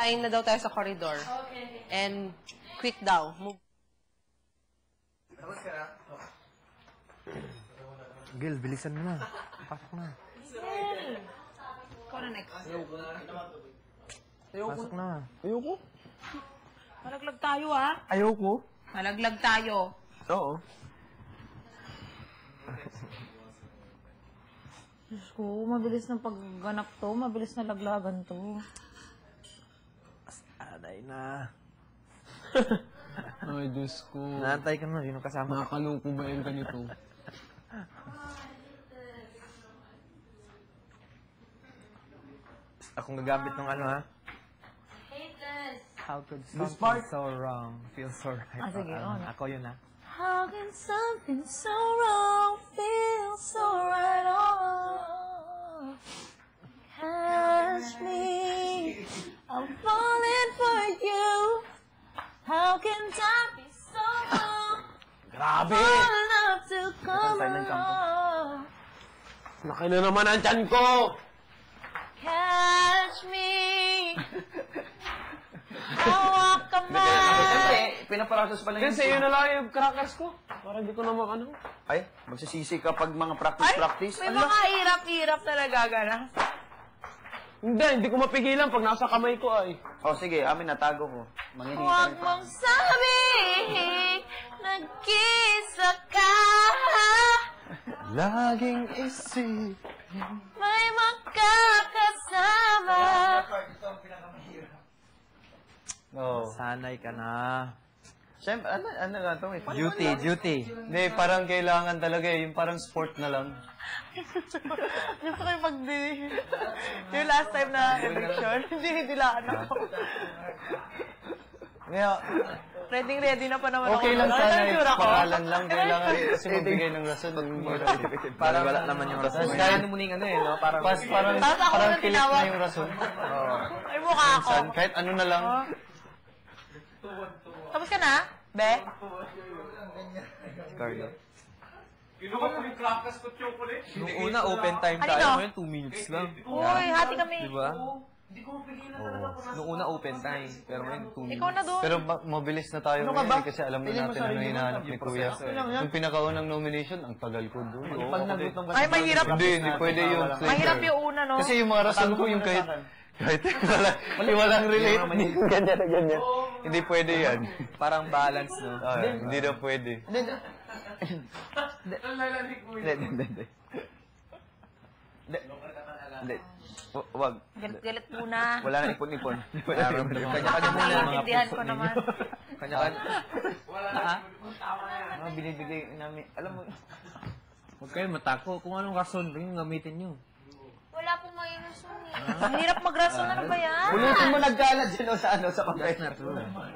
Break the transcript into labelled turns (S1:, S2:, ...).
S1: Kain na daw tayo sa corridor. Okay. And quick daw. Move.
S2: Gil, bilisan mo na. Pasok na.
S3: Ikaw na next.
S2: Ayoko. Pasok na.
S4: Ayoko.
S3: Malaglag tayo, ha?
S4: Ayoko.
S3: Malaglag tayo.
S4: Oo.
S5: Diyos ko, mabilis ng pagganap to. Mabilis na laglagan to.
S2: Aday na.
S4: Ay, Diyos ko.
S2: Naantay ka na, sino kasama?
S4: Nakakaloko ba yung ganito?
S2: Akong gagamit ng ano, ha? How could something so wrong feel so right?
S5: Ah, sige,
S2: Ako yun, ha?
S5: How can something so wrong feel so right on? Catch me, I'm falling for you. How can time be so wrong?
S2: Grabe!
S5: For love to come along.
S4: Laki na naman ang tiyan ko!
S5: Catch me. Hawak ka man.
S6: Siyempre, pinaparasos pa lang
S4: Kasi yun na lang yung crackers ko. Para di ko naman ano.
S6: Ay, magsisisi ka pag mga practice.
S3: May mga hirap-hirap na nagaganap.
S4: Hindi ko mapigilan pag nasa kamay ko ay.
S6: Oh, sige, amin natago ko. Manginita
S5: Huwag
S6: rin pa.
S5: mong sabihin, nag-isa ka.
S2: Laging isip.
S5: May makakasama.
S6: Oo.
S2: Sanay ka na.
S6: Siyempre, ano nga ito?
S2: Duty.
S6: Hindi, parang kailangan talaga eh. Yung parang sport na lang.
S3: Gusto ko yung yung last time na eviction, hindi laan ako.
S6: Kaya,
S3: Ready na pa naman
S6: okay
S3: ako.
S6: lang sana
S3: Ano
S6: yung
S3: tsura ko?
S6: pangalan lang. Kailangan kasi magbigay ng rason.
S2: Parang wala naman yung rason.
S6: Kaya ano muling ano eh, no? Parang
S3: Tapos ako
S6: parang
S3: nang
S6: pilit
S3: tinawag.
S6: na yung rason. Oo.
S3: Ay, mukha ako.
S6: Minsan, kahit ano na lang.
S3: Tapos ka na, Be?
S2: Carlo.
S4: Kinuha ko yung crackers ko chocolate.
S2: Nung una, open time
S3: Ano
S2: tayo.
S3: to?
S2: Ngayon, 2 minutes lang.
S3: Uy, hati kami.
S2: Diba? Nung una, open time. Pero ngayon, 2 minutes.
S3: Ikaw na doon.
S6: Pero mabilis na tayo ngayon eh, kasi alam na natin ano hinahanap ni Kuya. Yung pinakaunang nomination, ang tagal ko doon.
S3: Ay, mahirap.
S6: Hindi pwede yun.
S3: Mahirap yung una, no?
S6: Kasi yung mga rason ko, yung kahit walang relate. Ganyan na ganyan. Hindi pwede yan.
S2: Parang balance, no?
S6: Hindi na pwede. Hindi. Wag.
S3: Galit-galit muna.
S6: Wala na ipon-ipon.
S2: Kanya-kanya muna.
S3: Naiintindihan ko naman.
S2: Kanya-kanya.
S6: Mga binibigay namin. Alam mo,
S2: Huwag kayo matako. Kung anong rason, yung gamitin nyo.
S5: Wala pong may rason eh.
S3: Ang hirap magrason. Ano ba yan?
S6: ulitin mo nagkalat dyan o sa ano, sa pagkain.
S2: That's not true.